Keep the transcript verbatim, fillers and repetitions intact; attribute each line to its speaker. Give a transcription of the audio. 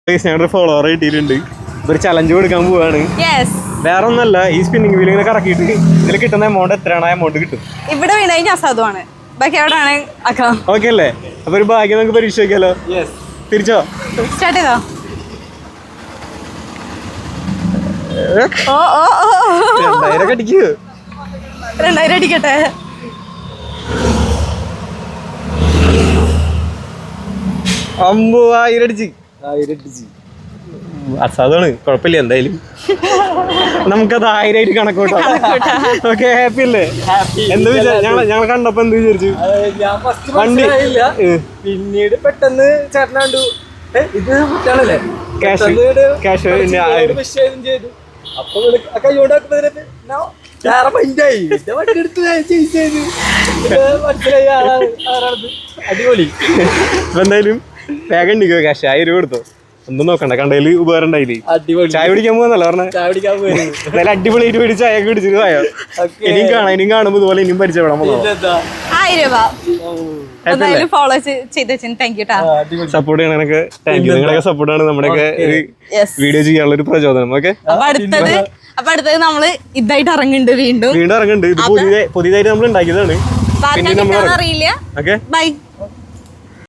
Speaker 1: ഞങ്ങളുടെ ഫോളോവർ കിട്ടിയിട്ടുണ്ട്. ഒരു ചലഞ്ച് കൊടുക്കാൻ പോവാണ്. വേറെ ഒന്നല്ല, ഈ സ്പിന്നിങ് വീൽ ഇങ്ങനെ കറക്കിയിട്ട് ഇതിൽ കിട്ടുന്ന എമൗണ്ട് എത്രയാണ് ആ എമൗണ്ട് കിട്ടും.
Speaker 2: ഇവിടെ വീണായി അസാധുവാണ്, ബാക്കി എവിടെയാണ് ആക്കാം.
Speaker 1: ഓക്കെ അല്ലേ? അപ്പൊ ഒരു ഭാഗ്യം നമുക്ക് പരീക്ഷ നോക്കിയാലോ? തിരിച്ചോ
Speaker 2: സ്റ്റാർട്ട് ചെയ്തോ? ഓ ഓ ഓ
Speaker 1: രണ്ടായിരം അടിക്കൂ.
Speaker 2: രണ്ടായിരം അടിക്കട്ടെ.
Speaker 1: അമ്പൂവായിരം അടിച്ച് ആയിരം അടിച്ച് അസാധാണ്. കുഴപ്പമില്ല, എന്തായാലും നമുക്കത് ആയിരമായിട്ട് കണക്കൂട്ടാം. ഓക്കെ, ഹാപ്പി അല്ലേ? എന്താ വിചാരിച്ചു? ഞങ്ങൾ ഞങ്ങൾ കണ്ടപ്പോ എന്ത് വിചാരിച്ചു? വണ്ടി
Speaker 3: പിന്നീട് പെട്ടെന്ന് ചേട്ടനാണ്ടു ഇത് കുട്ടികളല്ലേ
Speaker 1: ക്യാഷ് ക്യാഷ്
Speaker 3: ചെയ്തു. അപ്പൊ കൈകൊണ്ടാക്കുമ്പോ വേറെ മൈൻഡായി. വണ്ടി എടുത്ത് മനസ്സിലായി ആളാണ് ആരാണത്. അടിപൊളി.
Speaker 1: ഇപ്പൊ എന്തായാലും വേഗം ഉണ്ടിക്കോ, ക്യാഷ് ആയിരം രൂപ കൊടുത്തോ. ഒന്നും നോക്കണ്ട, കണ്ടതില് ഉപകാരം ഉണ്ടായില്ലേ? ചായ പിടിക്കാൻ പോകുന്നല്ലോ പറഞ്ഞ.
Speaker 3: ചായ പിടിക്കാൻ പോയി
Speaker 1: എന്തായാലും അടിപൊളിയായിട്ട് പിടിച്ച് ചായ ഒക്കെ പിടിച്ചിട്ട് പോയോ? ഇനിയും കാണാം, ഇനിയും കാണുമ്പോ ഇതുപോലെ ഇനിയും പരിചയപ്പെടാൻ
Speaker 2: ആയിരം രൂപ ഫോളോ ചെയ്ത് താങ്ക് യു.
Speaker 1: സപ്പോർട്ട് ചെയ്യണൊക്കെ താങ്ക് യു. നിങ്ങളൊക്കെ സപ്പോർട്ടാണ് നമ്മുടെയൊക്കെ ഒരു വീഡിയോ ചെയ്യാനുള്ള ഒരു പ്രചോദനം. ഓക്കെ,
Speaker 2: അപ്പൊ അടുത്തത് അപ്പൊ അടുത്തത് നമ്മള് ഇതായിട്ട് ഇറങ്ങുന്നുണ്ട്. വീണ്ടും
Speaker 1: വീണ്ടും ഇറങ്ങുന്നുണ്ട്. ഇത് പുതിയ പുതിയതായിട്ട് നമ്മൾ ഉണ്ടാക്കിയതാണ്.
Speaker 2: അറിയില്ല.
Speaker 1: Okay,
Speaker 2: by.